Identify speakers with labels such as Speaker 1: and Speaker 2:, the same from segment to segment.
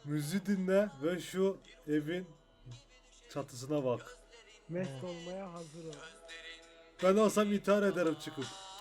Speaker 1: Müziği dinle ve şu evin çatısına bak.
Speaker 2: Mest olmaya hazır ol.
Speaker 1: Ben olsam intihar ederim çıkıp.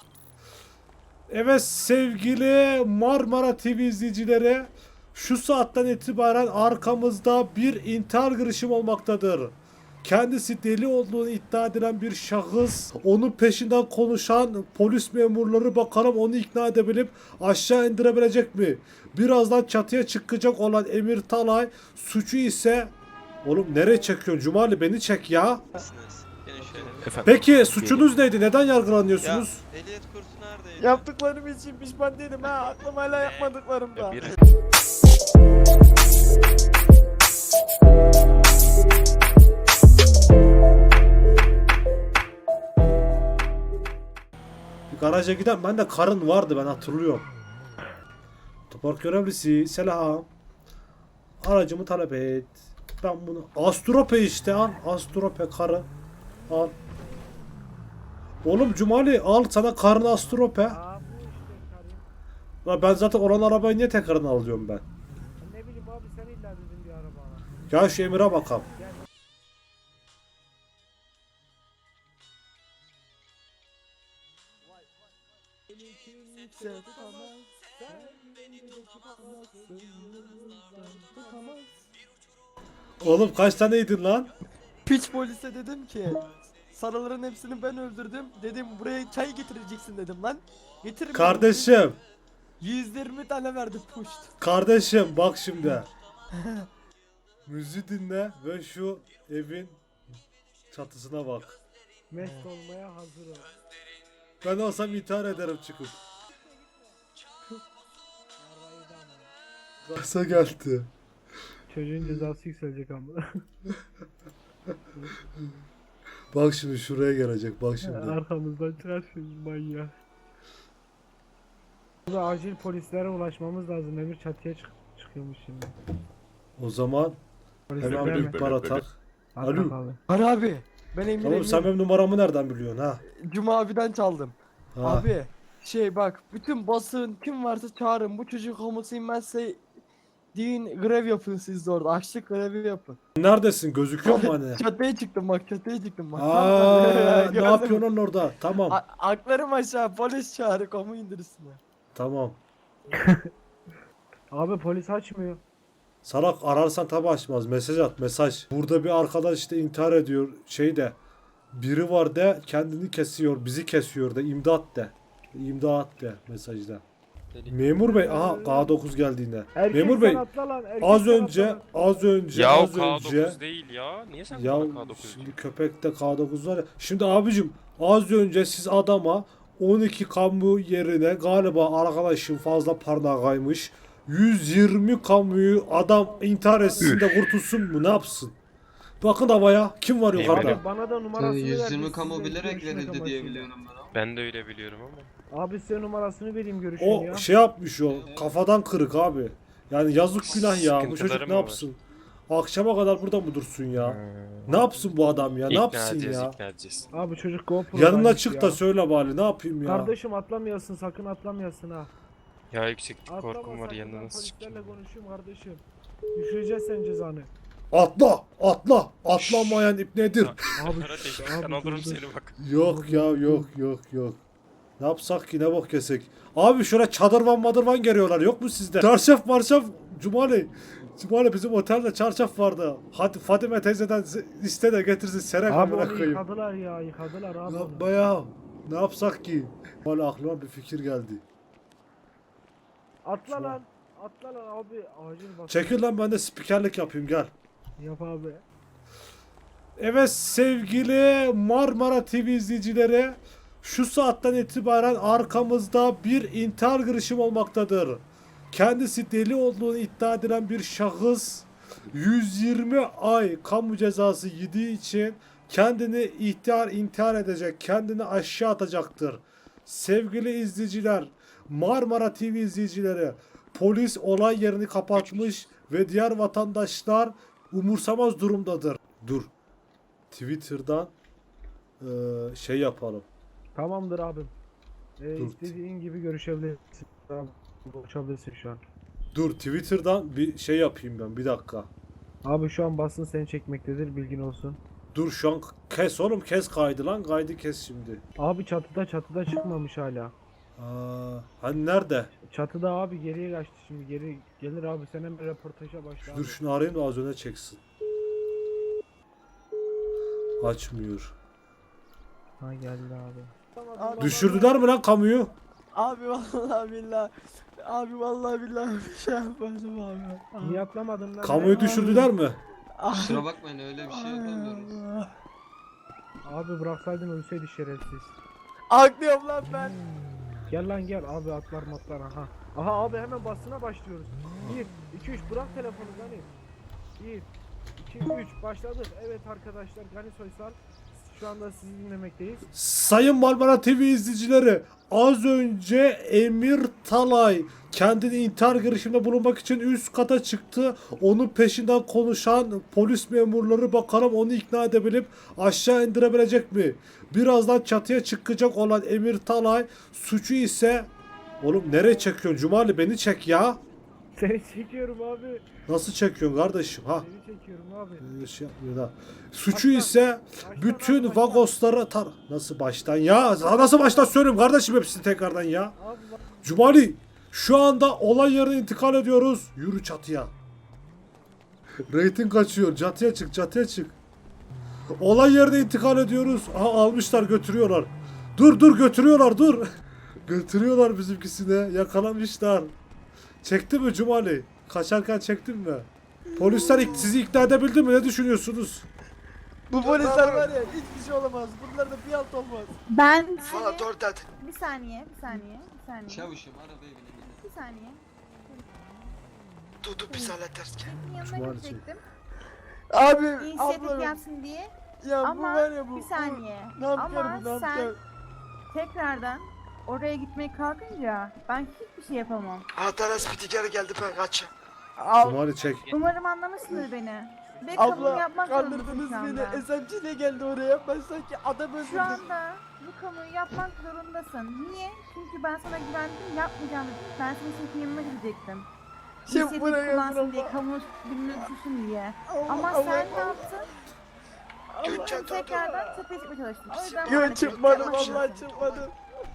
Speaker 1: Evet sevgili Marmara TV izleyicileri, şu saatten itibaren arkamızda bir intihar girişimi olmaktadır. Kendisi deli olduğunu iddia edilen bir şahıs, onun peşinden konuşan polis memurları bakalım onu ikna edebilip aşağı indirebilecek mi? Birazdan çatıya çıkacak olan Emir Talay, suçu ise... Oğlum nereye çekiyorsun Cumali, beni çek ya.
Speaker 3: Gelin şöyle.
Speaker 4: Efendim?
Speaker 1: Peki suçunuz neydi? Neden yargılanıyorsunuz?
Speaker 3: Ya ehliyet kursu neredeydi?
Speaker 2: Yaptıklarım için pişman değilim ha. Aklım hala yapmadıklarımda.
Speaker 4: Bir
Speaker 1: Garaja giden ben de karın vardı, ben hatırlıyorum. Otopark görevlisi selam. Aracımı talep et. Ben bunu Astrope işte al. Astrope karı. Al. Oğlum Cumali al sana karın Astrope.
Speaker 2: Aa bu işte karım.
Speaker 1: La ben zaten olan arabayı niye tekrarını alıyorum ben?
Speaker 2: Ne bileyim abi sen illa dedin bir arabana.
Speaker 1: Ya şu Emir'e bakalım. Oğlum kaç taneydin lan?
Speaker 5: Piç polise dedim ki sarıların hepsini ben öldürdüm. Dedim buraya çay getireceksin dedim lan. Getirmedim.
Speaker 1: Kardeşim.
Speaker 5: 120 tane verdi puşt.
Speaker 1: Kardeşim bak şimdi. Müziği dinle ve şu evin çatısına bak.
Speaker 2: Mest olmaya hazır ol.
Speaker 1: Ben olsam intihar ederim çıkıp.
Speaker 2: Yarrayı da ama.
Speaker 1: Kasa geldi.
Speaker 2: Çocuğun cezası yükselecek ama.
Speaker 1: Bak şimdi şuraya gelecek bak şimdi.
Speaker 2: Arkamızdan çıkar şimdi manyak. Burada acil polislere ulaşmamız lazım. Emir çatıya çıkıyormuş şimdi.
Speaker 1: O zaman
Speaker 2: Polisler
Speaker 1: hemen
Speaker 2: gelme.
Speaker 1: bir ihbar atak. Alo.
Speaker 2: Atak abi.
Speaker 5: Var abi. Ben Emir
Speaker 1: Tamam sen benim numaramı nereden biliyorsun ha?
Speaker 5: Cuma abiden çaldım.
Speaker 1: Ha.
Speaker 5: Abi bak bütün basın kim varsa çağırın. Bu çocuk komusu inmezse deyin grev yapın siz de orada. Açlık grevi yapın.
Speaker 1: Neredesin? Gözüküyor mu hani?
Speaker 5: Çatıya çıktım bak çatıya çıktım bak.
Speaker 1: Aa, ne
Speaker 5: Gördün mü?
Speaker 1: yapıyorsun lan orada? Tamam.
Speaker 5: Aklarım aşağı polis çağırın kamu indirsinler.
Speaker 1: Tamam.
Speaker 2: Abi polis açmıyor.
Speaker 1: Salak ararsan tabi açmaz. Mesaj at mesaj. Burada bir arkadaş işte intihar ediyor. Şeyde. Biri var de kendini kesiyor. Bizi kesiyor de. İmdat de. İmdat de mesajda. Memur bey. Aha K9 geldi yine.
Speaker 2: Erkek
Speaker 1: Memur bey.
Speaker 2: sen atla lan. Erkek
Speaker 1: Az
Speaker 2: sen
Speaker 1: önce.
Speaker 2: atla lan.
Speaker 1: Az önce.
Speaker 4: Ya o
Speaker 1: Az önce.
Speaker 4: K9 değil ya. Niye sen
Speaker 1: Ya
Speaker 4: bana K9 diyorsun?
Speaker 1: şimdi köpekte K9 var ya. Şimdi abicim az önce siz adama 12 kamu yerine galiba arkadaşım fazla parmağı kaymış. 120 kamuyu adam intihar etsin de kurtulsun mu ne yapsın? Bakın havaya kim var yukarıda?
Speaker 2: Abi bana da numarasını verdi.
Speaker 6: 120 kamu
Speaker 2: sizle
Speaker 6: bilerek
Speaker 2: görüşmek
Speaker 6: verildi diye
Speaker 2: amacıyla.
Speaker 6: biliyorum ben ama.
Speaker 4: Ben de öyle biliyorum ama.
Speaker 2: Abi size numarasını vereyim görüşün
Speaker 1: O
Speaker 2: ya.
Speaker 1: şey yapmış o kafadan kırık abi. Yani yazık günah ya bu
Speaker 4: Sıkıntıları
Speaker 1: çocuk
Speaker 4: mı
Speaker 1: ne
Speaker 4: var?
Speaker 1: yapsın? Akşama kadar burada mı dursun ya? Ne yapsın bu adam ya? Ne
Speaker 4: İkna
Speaker 1: yapsın
Speaker 4: edeceğiz,
Speaker 1: ya?
Speaker 4: ikna edeceğiz.
Speaker 2: Abi çocuk GoPro
Speaker 1: Yanına çık da söyle bari ne yapayım ya?
Speaker 2: Kardeşim atlamayasın sakın atlamayasın ha.
Speaker 4: Ya yükseklik
Speaker 2: Atlama
Speaker 4: korkum var
Speaker 2: sakın,
Speaker 4: yanına
Speaker 2: ben
Speaker 4: nasıl
Speaker 2: polislerle
Speaker 4: çıkayım?
Speaker 2: konuşayım kardeşim. Düşüreceğiz sen cezanı.
Speaker 1: Atla, atla, atlamayan ip nedir?
Speaker 2: Abi,
Speaker 4: Kardeşim
Speaker 2: abi
Speaker 4: ben alırım
Speaker 2: dur, dur.
Speaker 4: seni bak.
Speaker 1: Yok ya, yok. Ne yapsak ki, ne bok kesek? Abi şöyle çadırvan madırvan geliyorlar, yok mu sizde? Çarşaf marşaf, Cumali. Cumali bizim otelde çarşaf vardı. Hadi Fadime teyzeden iste de getirsin serek
Speaker 2: Abi
Speaker 1: amına
Speaker 2: onu
Speaker 1: koyayım.
Speaker 2: yıkadılar ya yıkadılar abi. onu.
Speaker 1: Yapma ya. Ne yapsak ki? Valla aklıma bir fikir geldi.
Speaker 2: Atla lan. Atla lan abi acil bak.
Speaker 1: Çekil lan ben de spikerlik yapayım gel.
Speaker 2: Yap abi.
Speaker 1: Evet sevgili Marmara TV izleyicileri, şu saatten itibaren arkamızda bir intihar girişimi olmaktadır. Kendisi deli olduğunu iddia edilen bir şahıs 120 ay kamu cezası yediği için kendini intihar edecek, kendini aşağı atacaktır. Sevgili izleyiciler, Marmara TV izleyicileri, polis olay yerini kapatmış ve diğer vatandaşlar umursamaz durumdadır. Dur. Twitter'dan şey yapalım.
Speaker 2: Tamamdır abim.
Speaker 1: Dur.
Speaker 2: İstediğin gibi görüşebilirsin. Tamam. Konuşabilirsin şu an.
Speaker 1: Dur Twitter'dan bir şey yapayım ben, bir dakika.
Speaker 2: Abi şu an basın seni çekmektedir, bilgin olsun.
Speaker 1: Dur şu an kes oğlum, kes kaydı lan, kaydı kes şimdi.
Speaker 2: Abi çatıda çıkmamış hala.
Speaker 1: Hani nerede?
Speaker 2: Çatıda abi, geriye kaçtı, şimdi geri gelir abi, sen hemen röportaja başla abi.
Speaker 1: Dur şunu arayayım da az öne çeksin. Açmıyor.
Speaker 2: Ha geldi abi.
Speaker 5: Abi,
Speaker 1: Düşürdüler mi lan kamuyu?
Speaker 5: Abi vallahi billahi. Abi vallahi billahi bir şey yapmadım abi.
Speaker 2: Niye atlamadın lan?
Speaker 1: Kamuyu düşürdüler mi?
Speaker 5: Abi.
Speaker 3: Kusura bakmayın öyle bir şey yapamıyoruz.
Speaker 2: Abi bıraksaydın ölseydi şerefsiz.
Speaker 5: Aklıyorum lan ben.
Speaker 2: Gel lan gel abi, atlar matlar, aha. Aha abi hemen basına başlıyoruz. 1 2 3 bırak telefonu Gani. 1 2 3 başladık. Evet arkadaşlar, Gani Soysal şu anda sizi dinlemekteyiz.
Speaker 1: Sayın Marmara TV izleyicileri, az önce Emir Talay kendini intihar girişiminde bulunmak için üst kata çıktı. Onun peşinden konuşan polis memurları bakalım onu ikna edebilip aşağı indirebilecek mi? Birazdan çatıya çıkacak olan Emir Talay suçu ise... Oğlum nereye çekiyorsun Cumali, beni çek ya.
Speaker 2: Seni çekiyorum abi.
Speaker 1: Nasıl çekiyorsun kardeşim ha?
Speaker 2: Seni çekiyorum abi.
Speaker 1: Şey yapmıyor da. Suçu ise bütün
Speaker 2: baştan.
Speaker 1: vagosları nasıl baştan ya? Nasıl baştan söyleyeyim kardeşim hepsini tekrardan ya.
Speaker 2: Abi bak.
Speaker 1: Cumali şu anda olay yerine intikal ediyoruz. Yürü çatıya. Rating kaçıyor. Çatıya çık, çatıya çık. Olay yerine intikal ediyoruz. Aha almışlar, götürüyorlar. Dur götürüyorlar, dur. Götürüyorlar bizimkisine. Yakalamışlar. Çekti mi Cumali? Kaçarken çektin mi? Polisler sizi ikna edebildi mi? Ne düşünüyorsunuz?
Speaker 5: Bu polisler var ya, hiçbir şey olamaz. Bunlarda bir alt olmaz.
Speaker 6: Ben
Speaker 7: Valla
Speaker 6: seni...
Speaker 7: dur dedi.
Speaker 6: Bir saniye, bir saniye, bir saniye.
Speaker 3: Çavuşum arabaya binelim.
Speaker 6: Bir saniye.
Speaker 7: Dudu biz hallederiz ki.
Speaker 6: Senin yanına
Speaker 1: Cumartesi.
Speaker 6: gidecektim.
Speaker 5: Abi,
Speaker 6: İnisiyatif
Speaker 5: ablam.
Speaker 6: yapsın diye.
Speaker 5: Ya bu
Speaker 6: Ama
Speaker 5: var ya bu.
Speaker 6: bir saniye.
Speaker 5: Bu, nankör
Speaker 6: Ama
Speaker 5: bu, nankör.
Speaker 6: sen tekrardan oraya gitmeye kalkınca ben hiçbir şey yapamam.
Speaker 7: Hatta spitikeri geldi ben kaçayım.
Speaker 1: Cumali çek.
Speaker 6: Umarım anlamışsındır beni. Ve kamu
Speaker 5: Abla
Speaker 6: yapmak zorundasın
Speaker 5: kandırdınız
Speaker 6: şu
Speaker 5: beni.
Speaker 6: anda.
Speaker 5: SMC ile geldi oraya. Ben sanki adam öldürdüm.
Speaker 6: Şu anda bu kamuyu yapmak zorundasın. Niye? Çünkü ben sana güvendim, yapmayacağım dedim. Ben senin için yanına gidecektim.
Speaker 5: Şimdi
Speaker 6: İnisiyatif
Speaker 5: buraya
Speaker 6: kullansın diye,
Speaker 5: Allah.
Speaker 6: kamu bilmem suçun diye.
Speaker 5: Allah,
Speaker 6: Ama
Speaker 5: Allah,
Speaker 6: sen ne
Speaker 5: Allah.
Speaker 6: yaptın?
Speaker 7: Gökçen dur dur.
Speaker 6: Tekrardan çatıya çıkmaya çalıştın. O yüzden
Speaker 5: Yok
Speaker 6: maalesef
Speaker 5: çıkmadım,
Speaker 6: yapmak
Speaker 5: vallahi
Speaker 6: zorundasın.
Speaker 5: çıkmadım.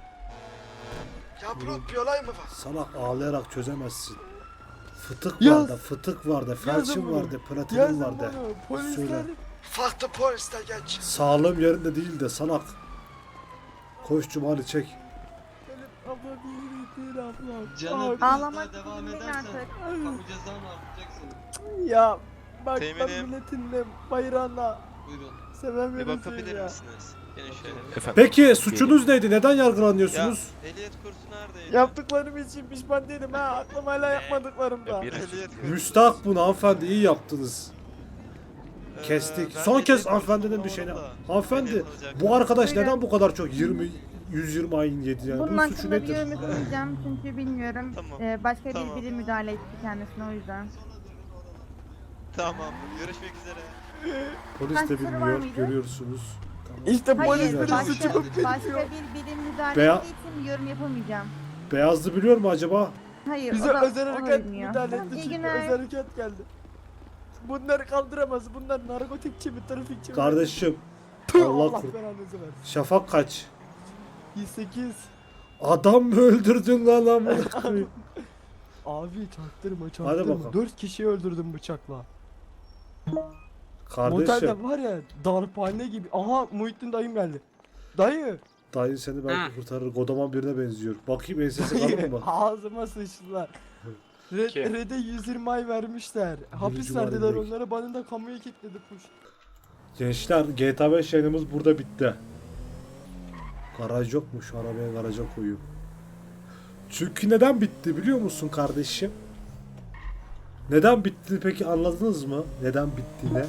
Speaker 7: Ya bro bir olay mı var?
Speaker 1: Salak, ağlayarak çözemezsin. Fıtık
Speaker 5: Yaz.
Speaker 1: vardı, fıtık vardı,
Speaker 5: Yazın
Speaker 1: felçin
Speaker 5: bunu.
Speaker 1: vardı, platinin
Speaker 5: Yazın
Speaker 1: vardı.
Speaker 5: bunu. Polisler.
Speaker 1: Söyle.
Speaker 7: Farklı polisler genç.
Speaker 1: Sağlığım yerinde değil de salak. Koş Cumali çek.
Speaker 5: Benim ablam iyi değil ablam.
Speaker 3: Canım
Speaker 5: Abi.
Speaker 3: biraz
Speaker 6: Ağlamak
Speaker 3: daha devam
Speaker 6: değil
Speaker 3: edersen
Speaker 6: artık.
Speaker 3: kamu cezanı artacaksın.
Speaker 5: Ya bak ben
Speaker 3: Teminim.
Speaker 5: milletinle bayrağına
Speaker 3: Buyurun. Bir
Speaker 5: sevemiyorum
Speaker 3: bakabilir
Speaker 5: ya.
Speaker 3: misiniz? Gelin şöyle.
Speaker 4: Efendim.
Speaker 1: Peki suçunuz neydi? Neden
Speaker 3: Ya
Speaker 1: yargılanıyorsunuz?
Speaker 3: ehliyet kursu neredeydi?
Speaker 5: Yaptıklarım için pişman değilim ha. Aklım hala yapmadıklarımda.
Speaker 4: Ya bir-
Speaker 3: Ehliyet kursu.
Speaker 1: Müstahak bunu hanımefendi, iyi yaptınız. Kestik.
Speaker 3: Ben
Speaker 1: Son
Speaker 3: ehliyet
Speaker 1: kez
Speaker 3: kursunu
Speaker 1: hanımefendinin bir şeyine.
Speaker 3: bulamadım da.
Speaker 1: Hanımefendi
Speaker 3: Ehliyet alacaktım.
Speaker 1: bu arkadaş
Speaker 6: Buyurun.
Speaker 1: neden bu kadar çok 120 ayın yedi yani?
Speaker 6: Bunun
Speaker 1: Bunun suçu
Speaker 6: hakkında bir
Speaker 1: nedir?
Speaker 6: yorum yapamayacağım çünkü bilmiyorum.
Speaker 3: Tamam.
Speaker 6: Başka
Speaker 3: Tamam.
Speaker 6: biri müdahale etti kendisine, o yüzden.
Speaker 3: Tamam. Görüşmek üzere.
Speaker 1: Polis
Speaker 6: Kaç
Speaker 1: de
Speaker 6: soru var
Speaker 1: bilmiyor,
Speaker 6: mıydı?
Speaker 1: görüyorsunuz.
Speaker 5: İşte
Speaker 6: Hayır,
Speaker 5: polislerin
Speaker 1: başka-
Speaker 5: suçu bu
Speaker 6: başka
Speaker 5: bilmiyor.
Speaker 6: bir birim müdahale
Speaker 1: Veya-
Speaker 6: ettiği için bir yorum yapamayacağım.
Speaker 1: Beyazlı biliyor mu acaba?
Speaker 6: Hayır,
Speaker 5: Bize
Speaker 6: o da,
Speaker 5: özel
Speaker 6: o da
Speaker 5: harekat
Speaker 6: bilmiyor.
Speaker 5: müdahale
Speaker 6: Tamam,
Speaker 5: etti
Speaker 6: iyi
Speaker 5: çünkü
Speaker 6: günler.
Speaker 5: özel harekat geldi. Bunları kaldıramaz. Bunlar narkotikçi mi, trafikçi mi?
Speaker 1: Kardeşim
Speaker 5: Tüh,
Speaker 1: Allah
Speaker 5: Allah
Speaker 1: kur-
Speaker 5: belanızı versin.
Speaker 1: şafak kaç?
Speaker 5: 108.
Speaker 1: Adam mı öldürdün lan amına koyayım?
Speaker 5: Abi çaktırma
Speaker 1: Hadi
Speaker 5: çaktırma.
Speaker 1: bakalım.
Speaker 5: 4 kişiyi öldürdüm bıçakla.
Speaker 1: Kardeşim
Speaker 5: Motelde var ya darphane gibi. Aha Muhittin dayım geldi. Dayı.
Speaker 1: dayın seni belki kurtarır. Godaman birine benziyor. Bakayım ensesi kalın mı?
Speaker 5: Ağzıma sıçtılar.
Speaker 4: Kim?
Speaker 5: Red'e 120 ay vermişler. Hapis
Speaker 1: Cumali
Speaker 5: verdiler
Speaker 1: Bey.
Speaker 5: onlara, bana da kamuya kilitledi push.
Speaker 1: Gençler GTA 5 yayınımız burada bitti. Garaj yok mu? Şu arabaya garaja koyayım. Çünkü neden bitti biliyor musun kardeşim? Neden bitti peki, anladınız mı? Neden bittiğini?